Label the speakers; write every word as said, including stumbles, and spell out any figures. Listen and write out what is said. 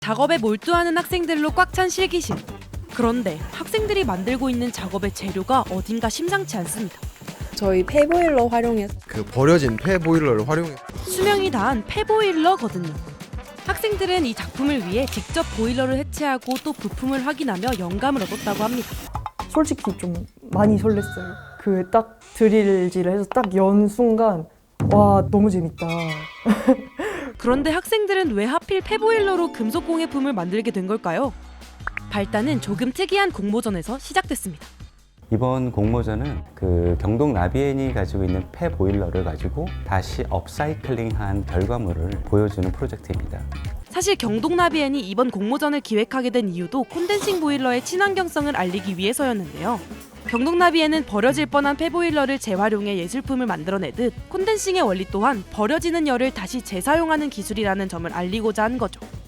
Speaker 1: 작업에 몰두하는 학생들로 꽉 찬 실기실. 그런데 학생들이 만들고 있는 작업의 재료가 어딘가 심상치 않습니다.
Speaker 2: 저희 폐보일러 활용해서
Speaker 3: 그 버려진 폐 보일러를 활용해
Speaker 1: 수명이 다한 폐보일러거든요. 학생들은 이 작품을 위해 직접 보일러를 해체하고 또 부품을 확인하며 영감을 얻었다고 합니다.
Speaker 4: 솔직히 좀 많이 설렜어요. 그 딱 드릴질을 해서 딱 연 순간 와 너무 재밌다.
Speaker 1: 그런데 학생들은 왜 하필 폐보일러로 금속 공예품을 만들게 된 걸까요? 발단은 조금 특이한 공모전에서 시작됐습니다.
Speaker 5: 이번 공모전은 그 경동 나비엔이 가지고 있는 폐 보일러를 가지고 다시 업사이클링한 결과물을 보여주는 프로젝트입니다.
Speaker 1: 사실 경동나비엔이 이번 공모전을 기획하게 된 이유도 콘덴싱 보일러의 친환경성을 알리기 위해서였는데요. 경동나비엔은 버려질 뻔한 폐보일러를 재활용해 예술품을 만들어내듯 콘덴싱의 원리 또한 버려지는 열을 다시 재사용하는 기술이라는 점을 알리고자 한 거죠.